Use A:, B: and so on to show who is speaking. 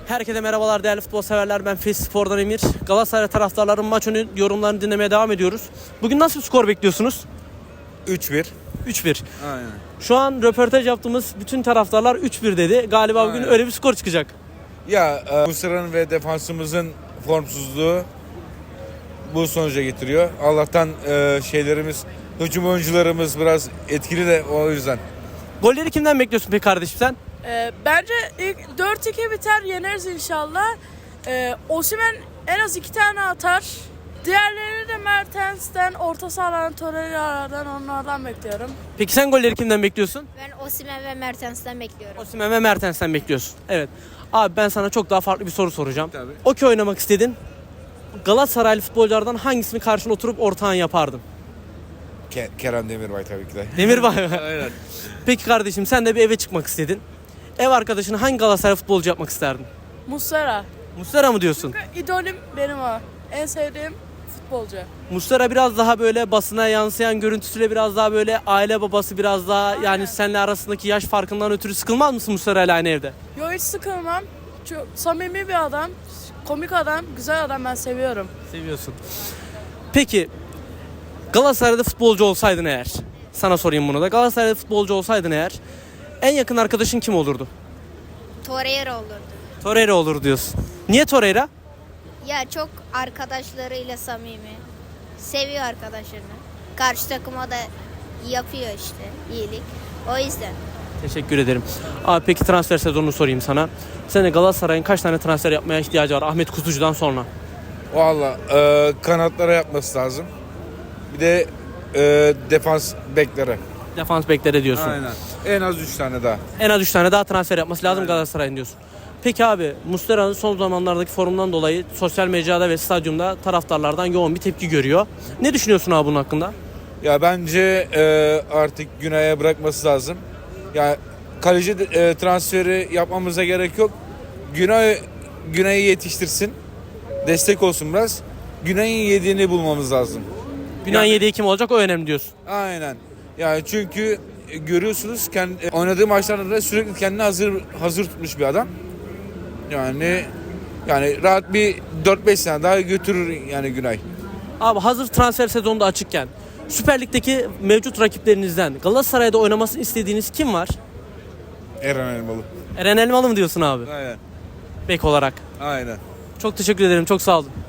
A: Herkese merhabalar değerli futbol severler. Ben Fes Spor'dan Emir. Galatasaray taraftarların maç önü yorumlarını dinlemeye devam ediyoruz. Bugün nasıl bir skor bekliyorsunuz?
B: 3-1.
A: 3-1.
B: Aynen.
A: Şu an röportaj yaptığımız bütün taraftarlar 3-1 dedi. Galiba bugün öyle bir skor çıkacak.
B: Ya Muslera'nın ve defansımızın formsuzluğu bu sonuca getiriyor. Allah'tan hücum oyuncularımız biraz etkili de o yüzden.
A: Golleri kimden bekliyorsun peki kardeşim sen?
C: Bence ilk 4-2 biter, yeneriz inşallah. Osimhen en az 2 tane atar. Diğerlerini de Mertens'ten, orta sahadan, Torreira'dan, onlardan bekliyorum.
A: Peki sen golleri kimden bekliyorsun?
D: Ben Osimhen ve Mertens'ten bekliyorum.
A: Osimhen ve Mertens'ten bekliyorsun. Evet. Abi ben sana çok daha farklı bir soru soracağım.
B: Tabii.
A: Okey oynamak istedin. Galatasaraylı futbolculardan hangisini karşına oturup ortağın yapardın?
B: Kerem Demirbay tabii ki de.
A: Demirbay.
B: Aynen.
A: Peki kardeşim sen de bir eve çıkmak istedin. Ev arkadaşını hangi Galatasaray futbolcu yapmak isterdin?
C: Muslera.
A: Muslera mı diyorsun?
C: İdolüm benim o. En sevdiğim futbolcu.
A: Muslera biraz daha böyle basına yansıyan görüntüsüyle biraz daha böyle aile babası biraz daha yani seninle arasındaki yaş farkından ötürü sıkılmaz mısın Muslera ile aynı evde?
C: Yo, hiç sıkılmam. Çok samimi bir adam. Komik adam, güzel adam, ben seviyorum.
A: Seviyorsun. Peki Galatasaray'da futbolcu olsaydın eğer, sana sorayım bunu da. Galatasaray'da futbolcu olsaydın eğer en yakın arkadaşın kim olurdu?
D: Torreira olurdu.
A: Torreira olur diyorsun. Niye Torreira?
D: Ya çok arkadaşlarıyla samimi. Seviyor arkadaşlarını. Karşı takıma da yapıyor işte iyilik. O yüzden.
A: Teşekkür ederim. Abi peki transfer sezonunu sorayım sana. Sene Galatasaray'ın kaç tane transfer yapmaya ihtiyacı var Ahmet Kutucu'dan sonra?
B: Valla kanatlara yapması lazım. Bir de defans beklere.
A: Defans beklere diyorsun.
B: Aynen. En az 3 tane daha.
A: En az 3 tane daha transfer yapması lazım
B: Aynen.
A: Galatasaray'ın diyorsun. Peki abi Muslera'nın son zamanlardaki formundan dolayı sosyal mecrada ve stadyumda taraftarlardan yoğun bir tepki görüyor. Ne düşünüyorsun abi bunun hakkında?
B: Ya bence artık Günay'a bırakması lazım. Ya kaleci transferi yapmamıza gerek yok. Günay'ı yetiştirsin. Destek olsun biraz. Günay'ın yediğini bulmamız lazım.
A: Günahın yediği kim olacak o önemli diyorsun.
B: Aynen. Yani çünkü görüyorsunuz oynadığı maçlarda da sürekli kendini hazır tutmuş bir adam. Yani rahat bir 4-5 sene daha götürür yani Günay.
A: Abi hazır transfer sezonu da açıkken Süper Lig'deki mevcut rakiplerinizden Galatasaray'da oynamasını istediğiniz kim var?
B: Eren Elmalı.
A: Eren Elmalı mı diyorsun abi?
B: Aynen.
A: Bek olarak.
B: Aynen.
A: Çok teşekkür ederim. Çok sağ olun.